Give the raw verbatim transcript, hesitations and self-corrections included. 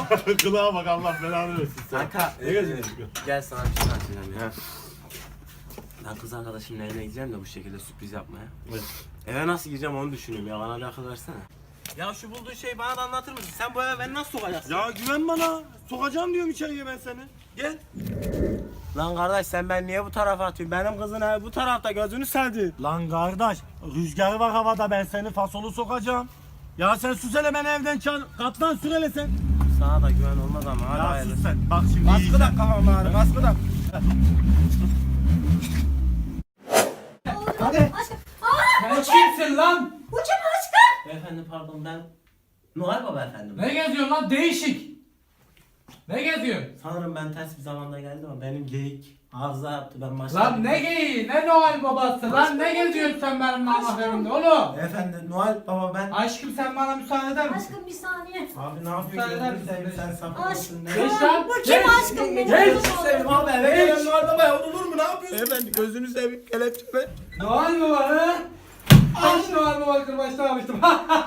Kılığa bak Allah belanı versin sen. Kanka Ne geziyorsun? gel sana bir şey anlatacağım ya. Ben kız arkadaşımın evine gideceğim de bu şekilde sürpriz yapmaya. Evet. Eve nasıl gireceğim onu düşünüyorum ya, bana bir akıl versene. Ya şu bulduğun şeyi bana da anlatır mısın? Sen bu eve beni nasıl sokacaksın? Ya güven bana. Sokacağım diyorum içeriye ben seni. Gel. Lan kardeş sen ben niye bu tarafa atıyorsun? Benim kızın evi bu tarafta, gözünü sevdi. Lan kardeş rüzgar var havada, ben seni fasolu sokacağım. Ya sen sus hele, beni evden çağır. Katlan sür hele sen. Sana da güven olmaz ama hadi Ya hayırlısı. sus sen. Bak şimdi Kaskı yiyeceğim. da kafam ağrı, kaskı da. Hadi. Sen kimsin lan? Bu kim aşkım? Beyefendi pardon, ben Noel Baba efendim. Ne geziyorsun lan değişik? Ne geziyorsun? Sanırım ben ters bir zamanda geldim ama benim geyik hafıza yaptı, ben başka... Lan ne geyiği, ne Noel babası, lan ne geziyorsun sen benim namazlarımda oğlum? Beyefendi Noel Baba ben... Aşkım sen bana müsaade eder misin? Aşkım bir saniye. Abi ne yapıyorsun? Sen eder Gözünü misin? seveyim, sen sapık mısın? Aşkım. Ne? Geç lan, Bu kim geç. aşkım? Benim Geç. kızım Seveyim oldu. abi, eve Geç. gelen Noel Baba'ya olur mu? Ne yapıyorsun? Beyefendi gözünü seveyim, kelepçeme. Noel baba ha? Aş Noel baba kırbaçta almıştım.